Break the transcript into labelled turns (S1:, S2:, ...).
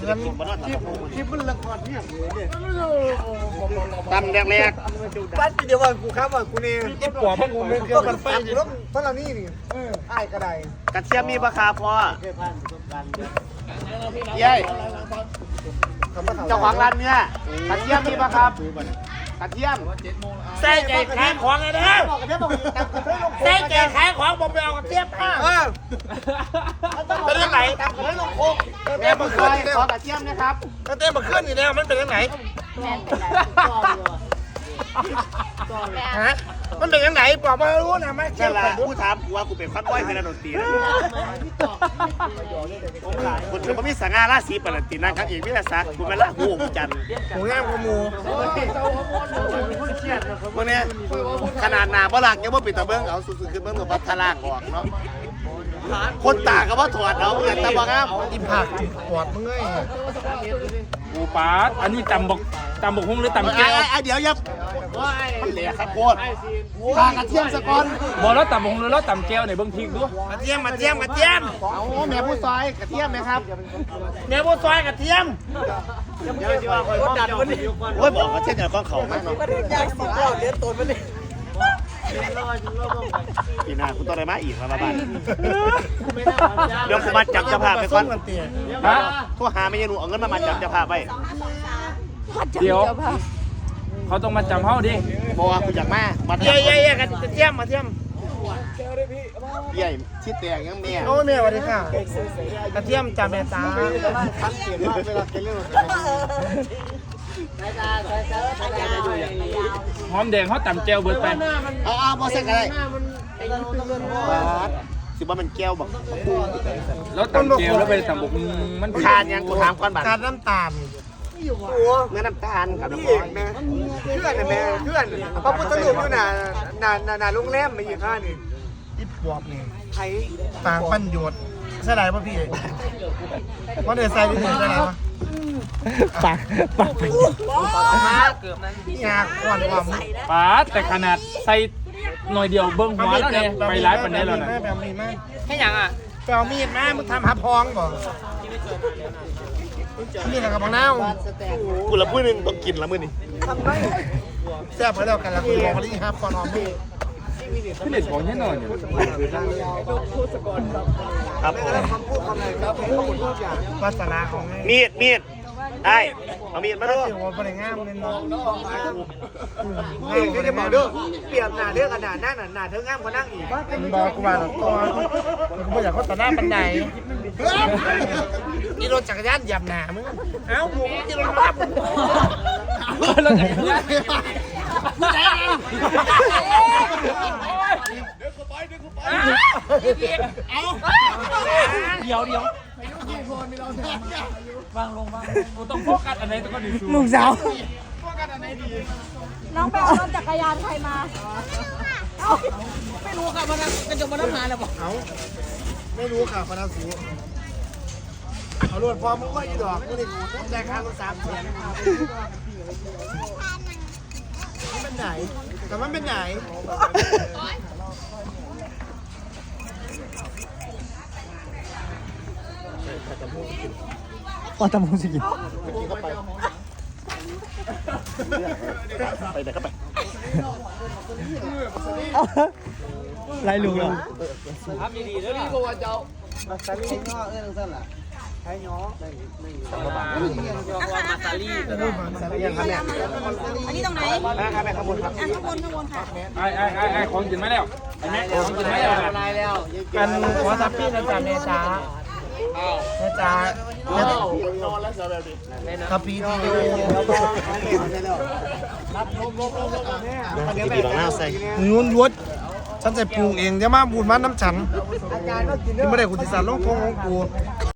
S1: กินบนนั้นที่มันละครเนี่ยตำแรกๆปั้นเดียวว่ากูครับว่ากูนี่ที่ปอบมันกูไม่เกี่ยวกับไฟรถเท่านี้นี่อ้ายกระไดกระเทียมมีราคาพอเย้เจ้าของร้านเนี่ยกระเทียมมีราคากระเทียมใส่ใจขายของเลยนะใส่ใจขายของผมไปเอากระเทียมมาเป็นยังไงเป็นลูกโคกเต้มาขึ้นขอกระเทียมนะครับเต้มาขึ้นอยู่แล้วมันเป็นยังไงฮะมันเป็นยังไงบอกมารู้นะไม่ใช่ผู้ถามกูว่ากูเป็นพันว้อยเป็นดนตรีนะคุณคือพระมิสง่าราศีปรันตินังครับเอกวิทยาศักดิ์คุณเป็นละหูจันทร์หูงามขมูเมื่อนี้ขนาดหนาบ่หลักยังว่าปิดตะเบิ้งเอาสุดๆคือเบิ้งกับพัทลากออกเนาะคนตาก็ว่าถอดเอาอย่างตะบังครับอีผักถอดมึงไง
S2: กูปาดอันนี้ตำบกหุ้งหรือตำแก้ว
S1: เดี๋ยวยับมันเหลี่ยครับโคตรทากระเทียมสกอน
S2: บอกแล้วตำบกหุ้งหรือแล้วตำแก้วไหนเบิ้งทิ้งด้วย
S1: กระเทียมเอาแม่ผู้ซอยกระเทียมไหมครับแม่ผู้ซอยกระเทียมเดี๋ยวจะว่าคอยดัดวันนี้โอ้ยบอกกระเทียมอย่างก้อนเขามากเนาะเลี้ยงตัวมันเลยอีน่าคุณต้องได้มาอีกมาบ้านเดี๋ยวคุณมาจับจะพาไปก่อนฮะทั่วหาไม่ยังหนูเอาเงินมาจับจะพาไป
S2: เดี๋ยวเขาต้องมาจำเขาดิ
S1: บอกว่าคุณอยากมาเย่กันกระเทียมมาเทียมใหญ่ชิดแตกยังเมียโอ้เมียสวัสดีค่ะกระเทียมจำแม่ตาทันเปลี่ยนมากเวลาเรื่อง
S2: หอมแดงเขาตำแก้วเบิดไป
S1: เอาบอสเซ็กอะไรสิว่ามันแก้วบอก
S2: แล้วตำแก้วแล้วไปตำบกมัน
S1: ขาดยังกูถามก่อนบัตร
S3: ขาดน้ำตาล
S1: เนื้อน้ำตาลกับน้ำมันนะเพื่อนนะแม่เพื่อนพระพุทธรูปอยู่น่ะโรงแรมมาอยู่ข้างนี่
S3: ที่ปอบนี่
S1: ไทย
S3: ต่างปัญโยชน์ใช่ไรป่ะพี่เพราะเดือดใส่ที่ถึงใช่ไรป่ะ
S2: ปาก
S3: เกือบนั้นยากกว่าความ
S2: ปาดแต่ขนาดใส่หน่อยเดียวเบิ้งหัวแล้วเนี่ยไปร้ายปันได้แล้วนะ
S3: แค่ยังอ่ะไปเอามีดมามึงทำหาพองบ่มีอะไรกับบังน้าว
S1: กูละพูดนึงต้องกินละมื้อนี่
S3: แซ่บไปแล้วกันละคุณบอกว่าที่ห้ามก่อนออมพี่
S2: พี่เด็ดของแน่นอนอยู่
S1: ครับ
S3: ภาษาของ
S1: มีดไอ้เอามีดมาดู
S3: ว่าเป็นงามเลยเนาะ
S1: นี่จะบอกด้วยเปรียบหน้าเรื่องขนาดนั้นหน้าเธองามกว่านั่งอีก
S3: บอกกูว่าตัวกูไม่อยากเขาต่อหน้าปันไดนี่รถจักรยานหยับหนามึงเอ้าหมูที่รถมา
S2: รถจักรยานเดี๋ยววางลงกูต้องโฟกัสอันไหนตัวก็ดี
S3: ลูกสาว
S2: โฟกัสอันไหนดี
S4: น้องไปเอารถจักรยานใครมา
S3: ไม่รู้ค่ะพนักกระจกพนักงานเลยบอกไม่รู้ค่ะพนักสูเอารถพอมึงก็อีดอกมึงนี่กูแจกค่ารถ3 แสนมันเป็นไหนแต่มันเป็นไหน
S1: พอจมูกสิกินไปไหนก็ไป
S3: ไรลุงเหรอ
S2: ทำดีๆแล้วนี่บอกว่าเจ้า
S3: มาซาลี่ง้อสั่นล่ะใช้ง้อ
S2: มาซาลี่
S1: ยังครับเนี่ย
S4: อันนี้ตรงไหน
S1: ข้างบนข้างบนครับ
S4: ข้างบนค่ะ
S2: ไอ้ของกินมาแล้วไอ้แม่ของกินมาแล้ว
S3: กันหัวซับปี้นะจ๊ะเมจ้าเมจ้าทับปีที่
S1: ดีหลังหน้าใส่
S3: นุ่นยวดฉันจะปรุงเองจะมาบูดมันน้ำฉันที่ไม่ได้คุณติสารลงทงของกู